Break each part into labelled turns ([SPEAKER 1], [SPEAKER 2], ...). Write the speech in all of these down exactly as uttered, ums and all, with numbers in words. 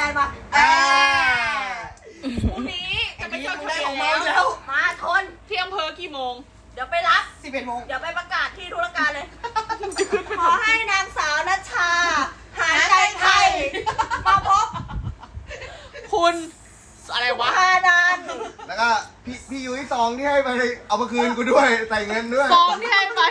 [SPEAKER 1] นมาเออพรุ่งนี้จะไปเจอได้ของเมาแล้วมาทนที่อำเภอกี่โมงเดี๋ยวไปรับสิบเอ็ดโมงเดี๋ยวไปประกาศที่ธุรการเลยขอให้นางสาวณชาหายใจไทยมาพบคุณอะไรวะพานัน
[SPEAKER 2] แล้วก็พี่พี่ยุ้ยซองที่ให้ไปเอามาคืนกูด้วยใส่เงินด้วย
[SPEAKER 1] ซองที่ให้ไป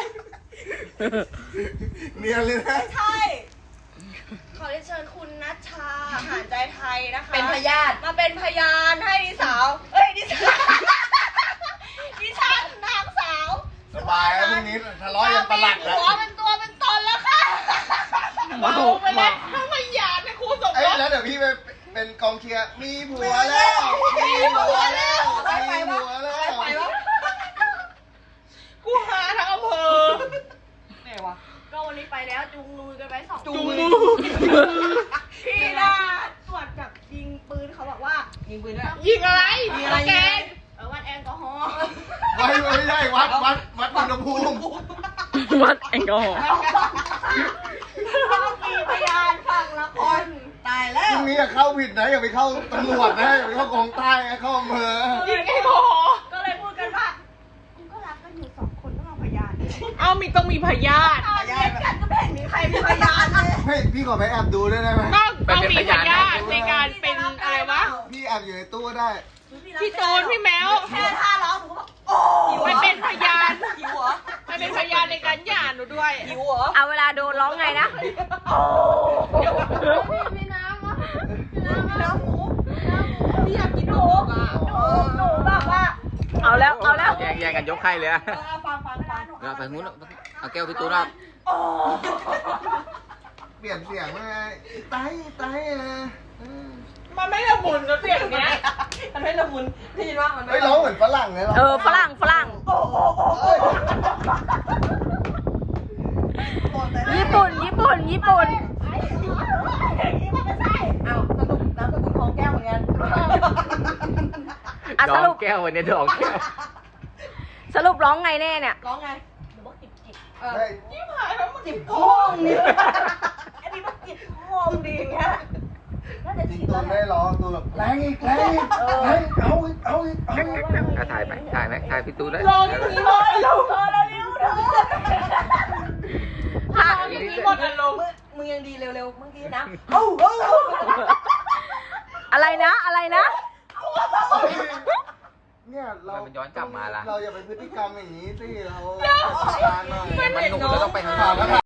[SPEAKER 2] เนียนเลยนะ
[SPEAKER 1] ใช่ขอเชิญคุณณชาหายใจไทยนะคะเป็นพยานมาเป็นพยานให้ดิสาวเอ้ยดิฉันดิฉันนางสาว
[SPEAKER 2] สบายแล้วพรุ่งนี้ทะเลาะยังประหลัดแล้ว
[SPEAKER 1] หัวเป็นตัวเป็นตนแล้วค่ะเมาไปแล้วถ้าพยานในครูสมรส
[SPEAKER 2] แล้วเดี๋ยวพี่ไปเป็นกองเชียร์มีผัวแล้วมีผัวแล้วมีผัวแล้ว
[SPEAKER 1] ไปวะกูหาทั้งอำเภอไหนวะก็วันนี้ไปแล้วจูงมือกันไปสองจูงมือพี่น่าตรวจจับยิงปืนเขาบอกว่ายิงปืนด้วยยิงอะไรยิงอะไรแกเออวัดแอลกอฮอล์
[SPEAKER 2] ไม่ไม่ใช่วัดวัดวัดอุณหภูมิ
[SPEAKER 3] วัดแอลกอฮอล์
[SPEAKER 1] ต้องมีพยานฝั่งละคนตายแล้ว
[SPEAKER 2] พรุ่งนี้อย่าเข้าผิดนะอย่าไปเข้าตำรวจนะอย่าไปเข้ากองใต้เข้าอำเภอ
[SPEAKER 1] ยิงแอลกอฮอล์ก็เลยพูดกันว่าคุณก็รักกันอยู่สองคนต้องเอาพยานเอามีต้องมีพยานพยานกันก็แบ่งมีใครมีพยานเลย
[SPEAKER 2] ให้พี่ขอไปแอบดูได้ไหม
[SPEAKER 1] ต้องต้องมีพยานในการเป็นอะไรวะ
[SPEAKER 2] พี่แอบอยู่ในตู้ได้
[SPEAKER 1] พี่โจนพี่แมวแค่ท่าร้องหนูก็บอกโอ้ไปเป็นพยานหิวเหรอไปเป็นพยานในการหย่าหนูด้วยหิวเหรอ
[SPEAKER 3] เอาเวลาโดนร้องไงนะ
[SPEAKER 1] มีน้ำวะมีน้ำหมูพี่อยากกินหมูอ่ะหนูแบบว่า
[SPEAKER 3] เอาแล้วเอาแล้ว
[SPEAKER 4] แย่งแย่งกันยกไข่เลยอะ
[SPEAKER 1] ฟังฟังฟัง
[SPEAKER 4] เราไปนู้นเอาแก้วพี่ตูนเอา
[SPEAKER 2] เปลี่ยนเสียงมาไงไต้ไต้นะ
[SPEAKER 1] มันไม่ละมุนนะเสียงเนี้ยมันไม่ละมุนได้ยินว่ามัน
[SPEAKER 2] ไม่ร้องเหมือนฝรั่งเลยหรอ
[SPEAKER 3] เออฝรั่งฝรั่งญี่ปุ่นญี่ปุ่นญี่ปุ่น
[SPEAKER 1] เอาสรุปน้ำสกุลของแก้วเหมือนกัน
[SPEAKER 3] อ่ะสรุป
[SPEAKER 4] แก้ววันนี้ดอกแก้ว
[SPEAKER 3] สรุปร้องไงแน่เนี่ย
[SPEAKER 1] ร้องไงหรือว่าจิบจิบเออจิบหายแล้วมันจิบโค้งนี่อันนี้มันจิบโค้งดีเงี้ย
[SPEAKER 2] จริงตัวไม่ร้องตัวแบบแรงอีกแรงอีกแรงเอาอีกเอาอีกเอาอีก
[SPEAKER 4] ถ่ายไปถ่ายไหมถ่ายพี่ตูนได้
[SPEAKER 1] ร้องอย่างนี้เลยเร็วเธอเร็วเธอถ่ายอย่างนี้หมดอารมณ์มึงยังดีเร็วๆเมื่อกี้นะเอ้าเอ้า
[SPEAKER 3] อะไรนะอะไรนะ
[SPEAKER 2] เนี่ยเรา
[SPEAKER 4] มันย้อนกลับมาละ
[SPEAKER 2] เราอย่าไปพฤติกรรมอย่างนี้สิเรา
[SPEAKER 4] มันหนุ่มแล้วต้องไปทาง